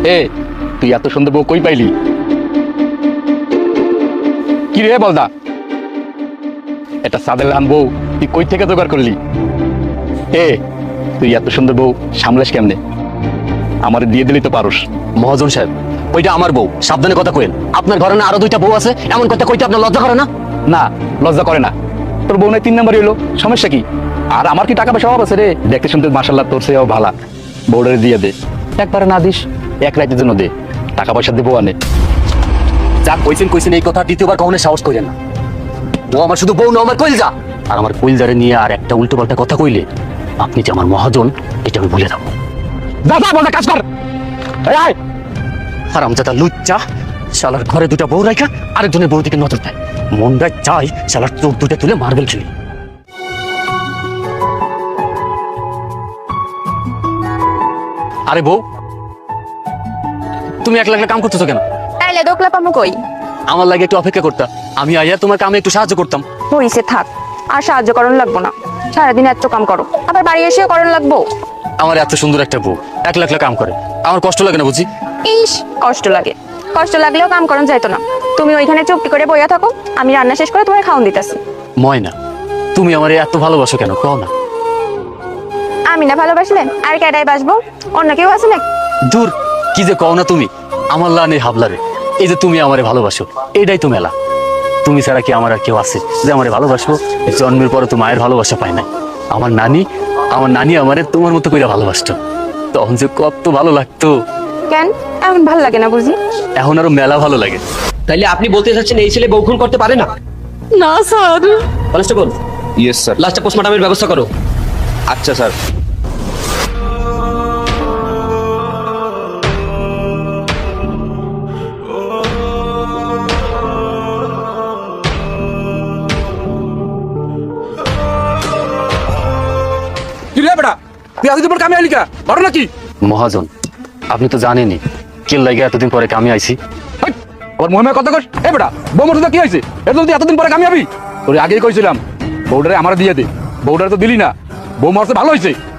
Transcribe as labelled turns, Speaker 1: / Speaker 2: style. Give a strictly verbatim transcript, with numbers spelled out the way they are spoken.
Speaker 1: এ তুই এত সুন্দর বউ কই পাইলি? কি রে বলদা, এটা সাদের লান বউ তুই কই থেকে জোগাড় করলি? এ তুই এত সুন্দর বউ সামলাস কেমনে? আমার দিয়ে দিলি তো পারুস।
Speaker 2: মহাজন সাহেব, ওইটা আমার বউ, সাবধানে কথা কইেন। আপনার ঘরে না আরো দুইটা বউ আছে, এমন কথা কইতে আপনার লজ্জা করে না?
Speaker 1: না, লজ্জা করে না। তোর বউ নাই তিন নাম্বার হইলো, সমস্যা কি? আর আমার কি টাকা পয়সা অভাব আছে রে? দেখতে শুনতে মাশাআল্লাহ তোর চেয়েও ভালা। বউডারে দিয়ে দে, একবারে না দিস এক রাতের জন্য দে, টাকা পয়সা দেবো আনে।
Speaker 2: যা কইছেন কইছেন, এই কথা দ্বিতীয়বার কখনো সাহস কইলেন না। ও আমার শুধু বউ না, আমার কইলজা। আর আমার কইলজারে নিয়ে আর একটা উল্টো পাল্টা কথা কইলে আপনি যে আমার মহাজন এটা আমি ভুলে যাবো।
Speaker 1: যা যা বলদা, কাজ কর। এই আয়।
Speaker 2: হারামজাদা লুচ্চা, শালার ঘরে দুটা বউ রাখা আরেকজনের বউ দিকে নজর দেয়। মনটা চাই শালার চোখ দুটা তুলে মার্বেল খেলি। আরে বউ, তুমি একলা একলা কাম করতেছো কেন?
Speaker 3: তাইলে দোকলা পামু কই?
Speaker 2: আমার লাগে একটু অপেক্ষা করতা, আমি আইয়া তোমার কামে একটু সাহায্য করতাম।
Speaker 3: হইছে থাক, আর সাহায্য করণ লাগবো না। সারাদিন এত কাম করো, আবার বাড়ি এসেও করণ লাগবো।
Speaker 2: আমার এত সুন্দর একটা বউ একলা একলা কাম করে, আমার কষ্ট লাগে না বুঝি?
Speaker 3: ইস, কষ্ট লাগে। কষ্ট লাগলেও কাম করণ যাইতো না। তুমি ওইখানে চুপটি করে বইয়া থাকো, আমি রান্না শেষ করে তোমার খাওন দিতেছি।
Speaker 2: ময়না, তুমি আমার এত ভালোবাসো কেন কও না?
Speaker 3: আমি না ভালোবাসলে আর কেডাই বাসবো? অন্য কেউ আছে না?
Speaker 2: দূর, কি যে কও না তুমি। আমার লানে হাবলারে, এই যে তুমি আমারে ভালোবাসো, এটাই তো মেলা। তুমি ছাড়া কি আমার আর কেউ আছে যে আমারে ভালোবাসবো? জন্মের পরে তো মায়ের ভালোবাসা পায় নাই। আমার নানি আমার নানি আমারে তোমার মতো করে ভালোবাসতো, তখন যে কত ভালো লাগতো।
Speaker 3: কেন এখন ভাল লাগে না বুঝি?
Speaker 2: এখন আরো মেলা ভালো লাগে।
Speaker 4: তাইলে আপনি বলতে চাচ্ছেন এই ছেলে বউ খুন করতে পারে না?
Speaker 3: না স্যার।
Speaker 4: Constable,
Speaker 5: yes sir.
Speaker 4: লাস্টটা পোস্টমর্টমের ব্যবস্থা করো।
Speaker 5: আচ্ছা স্যার।
Speaker 1: কি রে বেটা, তুই এতদিন পর কামে আইলি কা? বড় নাকি?
Speaker 2: মহাজন, আপনি তো জানেনই কেল লাগে এতদিন পরে কামে আইছি।
Speaker 1: ওর মহিমায় কথা কর। এ বেটা, বউ মতো কি হয়েছে? এত যদি এতদিন পরে কামে আবি? তোর আগেই কইছিলাম বউডারে আমার দিয়ে দে, বউডারে তো দিলি না। বউ মরছে ভালো হয়েছে।